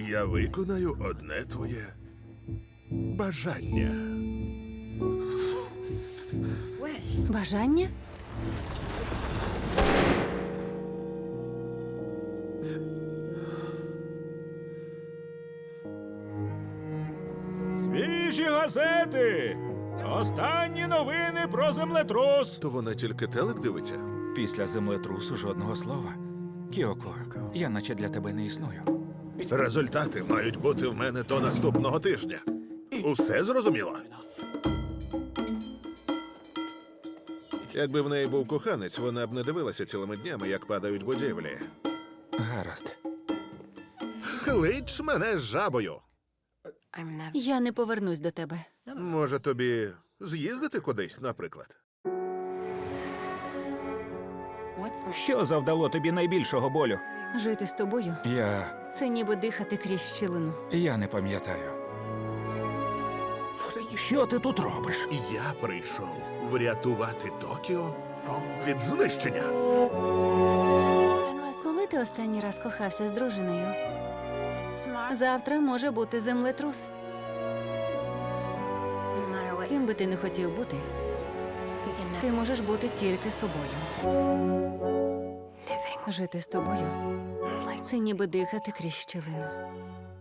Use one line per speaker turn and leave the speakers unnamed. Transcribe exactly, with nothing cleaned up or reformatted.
Я виконаю одне твоє бажання.
Бажання?
Свіжі газети! Останні новини про землетрус!
То вона тільки телек дивиться?
Після землетрусу жодного слова. Кіоко, я наче для тебе не існую.
Результати мають бути в мене до наступного тижня. Усе зрозуміло? Якби в неї був коханець, вона б не дивилася цілими днями, як падають будівлі.
Гаразд.
Клич мене з жабою.
Я не повернусь до тебе.
Може, тобі з'їздити кудись, наприклад?
Що завдало тобі найбільшого болю?
Жити з тобою
Я...
– це ніби дихати крізь щілину.
я не пам'ятаю. Що ти тут робиш?
Я прийшов врятувати Токіо від знищення.
Коли ти останній раз кохався з дружиною? Завтра може бути землетрус. Ким би ти не хотів бути, ти можеш бути тільки собою. Жити з тобою – це ніби дихати крізь щілину.